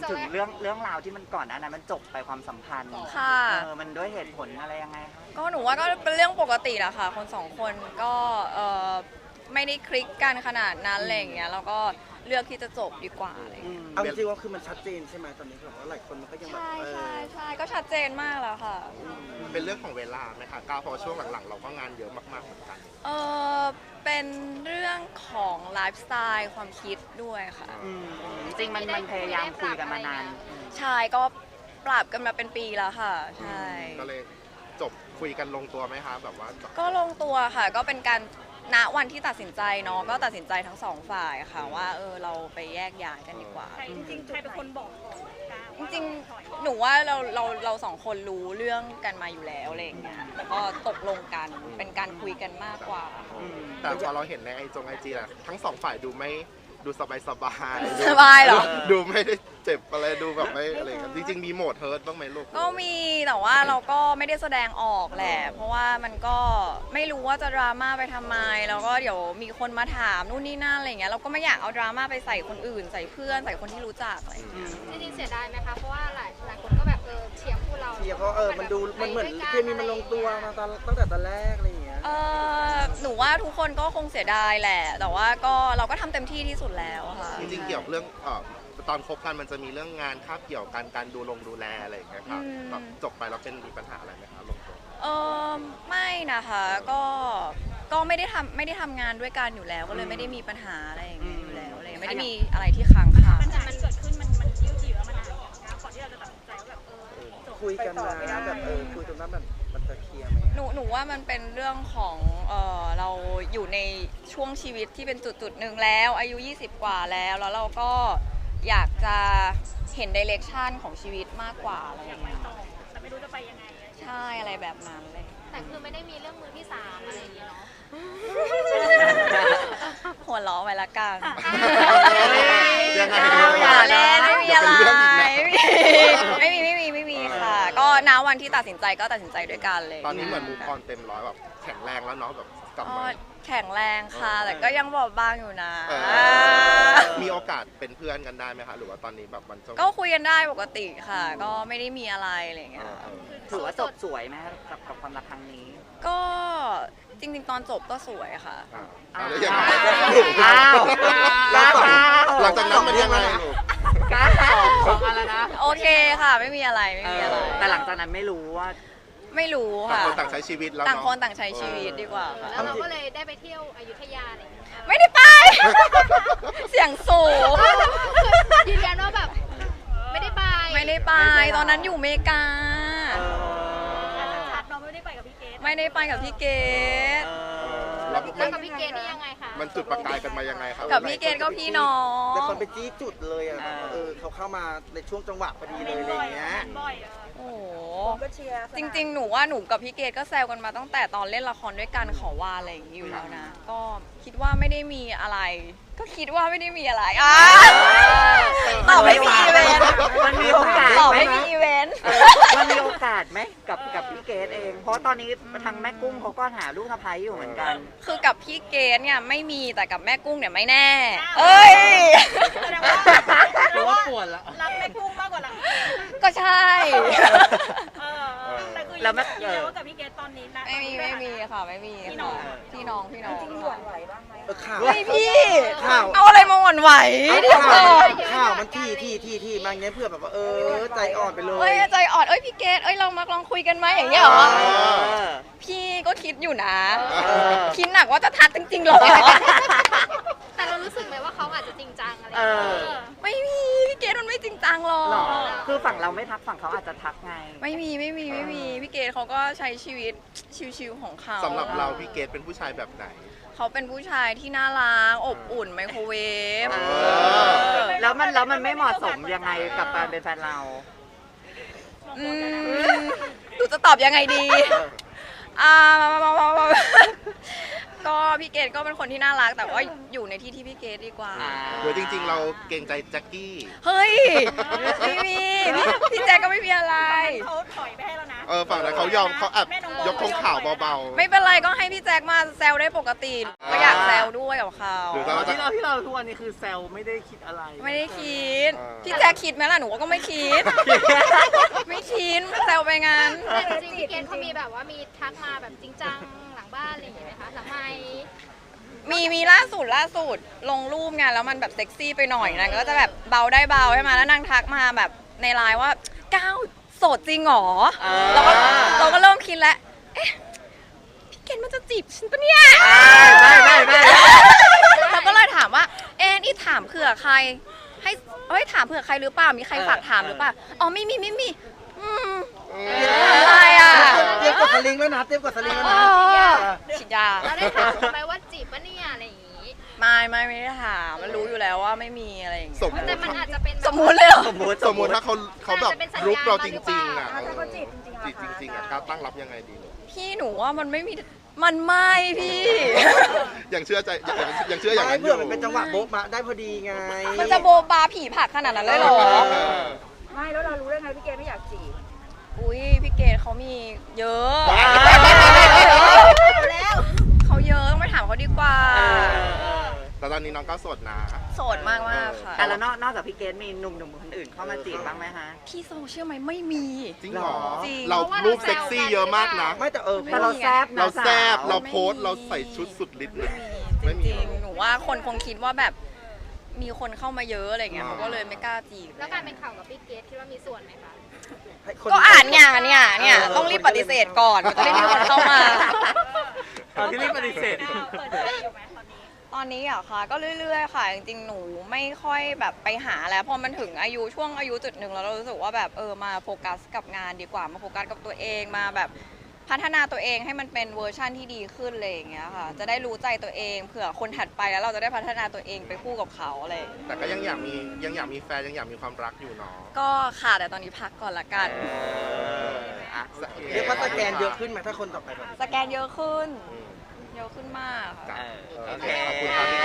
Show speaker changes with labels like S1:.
S1: ถึงเรื่องราวที่มันก่อนอันนั้นมันจบไปความสัมพันธ์
S2: ค่ะ
S1: มันด้วยเหตุผลอะไรยังไงคะ
S2: ก็หนูว่าก็เป็นเรื่องปกติแหละค่ะคนสองคนก็ไม่ได้คลิกกันขนาดนั้นอะไรอย่างเงี้ยแล้วก็เลือกที่จะจบดีกว่าอะไรอย่างเงี้ย
S3: เอาจริงๆว่าคือมันชัดเจนใช่ไหมตอนนี้แบบว่าหลายคนมันก็ยังแบบ
S2: ใช่ก็ชัดเจนมากแล้วค่ะ
S4: เป็นเรื่องของเวลาไหมคะก้าวเพราะช่วงหลังๆเราก็งานเยอะมากๆเหมือนกัน
S2: เป็นเรื่องของไลฟ์สไตล์ความคิดด้วยค่ะ
S1: จริงมันพยายามคุยกันมานาน
S2: ใช่ก็ปรับกันมาเป็นปีแล้วค่ะใช่
S4: ก็เลยจบคุยกันลงตัวไหมคะแบบว่า
S2: ก็ลงตัวค่ะก็เป็นการณวันที่ตัดสินใจเนาะก็ตัดสินใจทั้งสองฝ่ายค่ะว่าเราไปแยกย้ายกันดีกว่า
S5: จริงๆใครเป็นคนบอก
S2: จริงๆหนูว่าเราสองคนรู้เรื่องกันมาอยู่แล้วอะไรอย่างเงี้ยแล้วก็ตกลงกันเป็นการคุยกันมากกว่า
S4: แต่พอเราเห็นในไอจีแหละทั้งสองฝ่ายดูสบาย
S2: สบายเหรอ
S4: ดูไม่ได้เจ็บอะไรดูแบบไม่อะไรกันจริงๆมีโหมดเฮิร์ตบ้างไหมลูก
S2: ก็มีแต่ว่าเราก็ไม่ได้แสดงออกแหละเพราะว่ามันก็ไม่รู้ว่าจะดราม่าไปทำไมแล้วก็เดี๋ยวมีคนมาถามนู่นนี่นั่นอะไรเงี้ยเราก็ไม่อยากเอาดราม่าไปใส่คนอื่นใส่เพื่อนใส่คนที่รู้จักอะไรอย่างเงี้ย
S5: จริงๆเสียดายไหมคะเพราะว่าหลายคนก็แบบเชียร์คู่เรา
S3: เชียร์เพราะมันเหมือนเคมีมันลงตัวมาตั้งแต่ตอนแรกอะไรอย่างเงี้ย
S2: หนูว่าทุกคนก็คงเสียดายแหละแต่ว่าเราก็ทำเต็มที่ที่สุดแล้วค่ะ
S4: จริงๆเกี่ยวกับเรื่องตอนคบกันมันจะมีเรื่องงานคาบเกี่ยวกันการดูแลอะไรอย่างเงี้ยค่ะแบบจบไปแล้วมีปัญหาอะไรไหมคะลงตัว
S2: ไม่นะคะก็ไม่ได้ทำงานด้วยกันอยู่แล้วก็เลยไม่ได้มีปัญหาอะไรอย่างเงี้ยอยู่แล้วอะไรไม่ได้มีอะไรที่ค้างคา
S5: ปัญหามันเกิดขึ้นมันยืดเยื้อมานานก่อนที่เราจะตัดสินใจว่าแบบ
S3: คุยกันนะแบบคุยจนว่ามันจะเคลียร์ไหม
S2: หนูว่ามันเป็นเรื่องของเราอยู่ในช่วงชีวิตที่เป็นจุดหนึ่งแล้วอายุ20กว่าแล้วเราก็อยากจะเห็นไดเรกชันของชีวิตมากกว่าอะไรอย่างเงี้ย
S5: แต่ไม่รู้จะไปยังไง
S2: ใช่อะไรแบบนั้นเลย
S5: แต่คือไม่ได้มีเรื่องมือที่3อะไรอย่างเงี้ยเนาะ
S2: หัวล้อไว้ละกัน
S4: ยังไง
S2: อย่าเล่นไม่มีอะไรไม่มีค่ะก็ณวันที่ตัดสินใจก็ตัดสินใจด้วยกันเลย
S4: ตอนนี้เหมือนมูฟออนเต็มร้อยแบบแข็งแรงแล้วเนาะแบบกลับมา
S2: แข็งแรงค่ะแต่ก็ยังบอบบางอยู่นะ
S4: มีโอกาสเป็นเพื่อนกันได้ไหมคะหรือว่าตอนนี้แบบมัน
S2: ก็คุยกันได้ปกติค่ะก็ไม่ได้มีอะไรอะไรอย่างเงี้ย
S1: ถือว่าจบสวยไหมกับความรักครั้งนี้
S2: ก็จริงๆตอนจบก็สวยค่ะ
S4: แล้วยังไงหลังจากนั้นมันยังไงลูก
S1: ของอะไรนะ
S2: โอเคค่ะไม่มีอะไร
S1: แต่หลังจากนั้นไม่รู้
S2: ค่ะ
S4: ต่างคนต่างใช้ชีวิตแล้ว
S2: ต่างคนต่างใช้ชีวิตดีกว่าค่ะ
S5: แล้วเราก็เลยได้ไปเที่ยวอยุธยาอะไรอย่างเงี้ย
S2: ไม่ได้ไปเสียงสูง
S5: ยืนยันว่าแบบไม่ได้ไป
S2: ตอนนั้นอยู่อเมริกา
S5: ชัดเราไม่ได้ไปกับพี่เกด
S4: แล้ว
S5: กับพี่เกดนี่ยังไงคะ
S4: มันจุดประกายกันมายังไงครับ
S2: กับพี่เกดก็พี่น้อง
S3: แต่คนไปจี้จุดเลยอ่ะเขาเข้ามาในช่วงจังหวะพอดีเลยอะไรเงี้ย
S2: โอ้จริงๆหนูว่าหนูกับพี่เกดก็แซวกันมาตั้งแต่ตอนเล่นละครด้วยกันขอว่าอะไรอย่างนี้อยู่แล้วนะก็คิดว่าไม่ได้มีอะไรตอบไม่มีอีเวนต์
S1: มันมีโอกาส
S2: ตอบไม่มีอีเวนต์
S1: มันมีโอกาสไหมกับพี่เกดเองเพราะตอนนี้ทางแม่กุ้งเขาก็หาลูกสะใภ้อยู่เหมือนกัน
S2: คือกับพี่เกดเนี่ยไม่มีแต่กับแม่กุ้งเนี่ยไม่แน่เอ้ย
S5: แสดงว่าปวดละรักแม่กุ้งมากกว่ารัก
S2: ก็ใช่
S5: แต่คือยืนยันว่ากับพี่เกดตอนนี้นะ
S2: ไม่มีค่ะไม่มีพี่น้องจริงหวั่นไหวบ้างไหม
S3: ไม่
S2: พี่เอาอะไรมาหวั่นไหว
S3: ข่าวมันที่มาอย่างเงี้ยเพื่อแบบว่าใจอ่อนไปเลย
S2: ใจอ่อนพี่เกดเรามาลองคุยกันไหมอย่างเงี้ยเหรอพี่ก็คิดอยู่นะคิดหนักว่าจะทักจริงๆหรอ
S5: แต่เรารู้สึกไหมว่าเขาอาจจะจริงจังอะไร
S2: ไม่มีพี่เกดมันไม่จริงจังหรอก
S1: คือฝั่งเราไม่ทักฝั่งเขาอาจจะทักไง
S2: ไม่มีพี่เกดเขาก็ใช้ชีวิตชิวๆของเขา
S4: สำหรับเราพี่เกดเป็นผู้ชายแบบไหน
S2: เขาเป็นผู้ชายที่น่ารักอบอุ่นไมโครเวฟ
S1: แล้วมันไม่เหมาะสมยังไงกับการเป็นแฟนเรา
S2: หนูจะตอบยังไงดีก็พี่เกดก็เป็นคนที่น่ารักแต่ว่าอยู่ในที่พี่เกดดีกว่า
S4: โดยจริงๆเราเกรงใจแจ็คกี้
S2: เฮ้ยไม่มีพี่แจ็คก็ไม่มีอะไร
S5: เขาถอยไปให้แล้วนะ
S4: ฝั่งนั้นเขายอมเขาแอบยกธงขาวเบาๆ
S2: ไม่เป็นไรก็ให้พี่แจ็คมาแซวได้ปกติก็อยากแซวด้วยกับเขา
S4: หรือ
S5: ต
S4: เรา
S5: อน
S4: จะ
S5: ที่เราทุกวันนี้คือแซวไม่ได้คิดอะไร
S2: ไม่ได้คิด
S4: อ่า
S2: พี่แจ็คคิดไหมล่ะหนูก็ไม่คิด ไม่คิดแซวไปงั้น
S6: แต่จริงๆพี่เกณฑ์เขามีแบบว่ามีทักมาแบบจริงจังหลังบ้านอะไรอย่างเงี้ยไหมคะหลังไมค์
S2: มีล่าสุดลงรูปไงแล้วมันแบบเซ็กซี่ไปหน่อยนางก็จะแบบเบาได้เบาใช่ไหมแล้วนางทักมาแบบในไลน์ว่าก้าวโสดจริงเหรอเราก็เริ่มคิดแล้วเอ๊ะพี่เกณฑ์มันจะจีบฉันปะเนี่ย
S1: ไม่
S2: เราก็เลยถามว่าเอ๊ะนี่ถามเผื่อใครให้ถามเผื่อใครหรือเปล่ามีใครฝากถามหรือเปล่าอ๋อไม่มีอะไรอ่ะ
S3: เตรียมกดสลิงแล้วนะเตรียมกดสลิงแล้วนะ
S2: ฉีดยา
S6: แล้วได้ถามเขาไหมว่าจีบปะเนี่ยอะไรอย่างงี้
S2: ไม่ได้ถามมันรู้อยู่แล้วว่าไม่มีอะไรอย่างเงี้ย
S4: สมม
S6: แต่
S4: ติ
S6: มันอาจจะเป็นแบบ
S2: สมมุติเลยเหรอ
S1: สมมุติ
S4: สมมติถ้าเขาแบบรุกเราจริงๆอ่ะ
S6: ถ้าเขาจีบ
S4: จีบจริงๆอ่ะก้าวตั้งรับยังไงดีลูก
S2: พี่หนูว่ามันไม่พี่
S4: ยังเชื่อใจยังเชื่ออย่าง
S3: ไม่
S4: นั้นอ
S3: เพื่อยู่ มันเป็นจังหวะโบ๊ะมาได้พอดีไง
S2: มันจะโบบาผีผักขนาดนั้นเลยเหรอ
S7: ไม่แล้วเรารู้ได้ไงพี่เกณฑ์ไม่อยากจีบ
S2: อุ้ยพี่เกดเขามีเยอะ
S7: แล้ว
S2: เขาเยอะต้องไปถามเขาดีกว่า
S4: แต่ตอนนี้น้องก็โสดนะ
S2: โสดมากค่ะ
S1: อ่ะแล้วนอกจากพี่เกดมีหนุ่มๆคนอื่นเข้ามาจีบบ้างไหมฮะ
S2: พี่โซเชื่อไหมไม่มี
S4: จริงเหรอ
S2: จริง
S4: เรารูปเซ็กซี่เยอะมากนะ
S3: ไม่แต่
S1: แต่เราแซบนะ
S4: เราแซบ
S1: สว
S4: เราโพสต์เราใส่ชุดสุดฤทธิ์เลย
S2: จริงๆหนูว่าคนคงคิดว่าแบบมีคนเข้ามาเยอะอะไรเงี้ยเขาก็เลยไม่กล้าจีบ
S6: แล้วการเป็นข่าวกับพี่เกดคิดว่ามีส่วนไหมคะ
S2: ก็อ่านเนี่ยต้องรีบปฏิเสธก่อนมันจะได้มีคนเข้ามา
S5: ตอนที่รีบปฏิเสธ
S6: เปิดใจอยู่ไหมตอนนี้
S2: ตอนนี้อะค่ะก็เรื่อยๆค่ะจริงๆหนูไม่ค่อยแบบไปหาแล้วพอมันถึงช่วงอายุจุดหนึ่งแล้วเรารู้สึกว่าแบบมาโฟกัสกับงานดีกว่ามาโฟกัสกับตัวเองมาแบบพัฒนาตัวเองให้มันเป็นเวอร์ชั่นที่ดีขึ้นอะไรอย่างเงี้ยค่ะจะได้รู้ใจตัวเองเผื่อคนถัดไปแล้วเราจะได้พัฒนาตัวเองไปคู่กับเขาอะไรอย่างเงี้ย
S4: แต่ก็ยังอยากมีแฟนยังอยากมีความรักอยู่เนาะ
S2: ก็ค่ะแต่ตอนนี้พักก่อนละกัน
S1: อ่ะ
S3: เรียกว่าสแกนเยอะขึ้นไหมถ้าคนต่อไปแบบ
S2: สแกนเยอะขึ้น
S4: อืม
S2: เยอะขึ้นมากค่ะ
S4: จ้ะโอเคขอบคุณครับ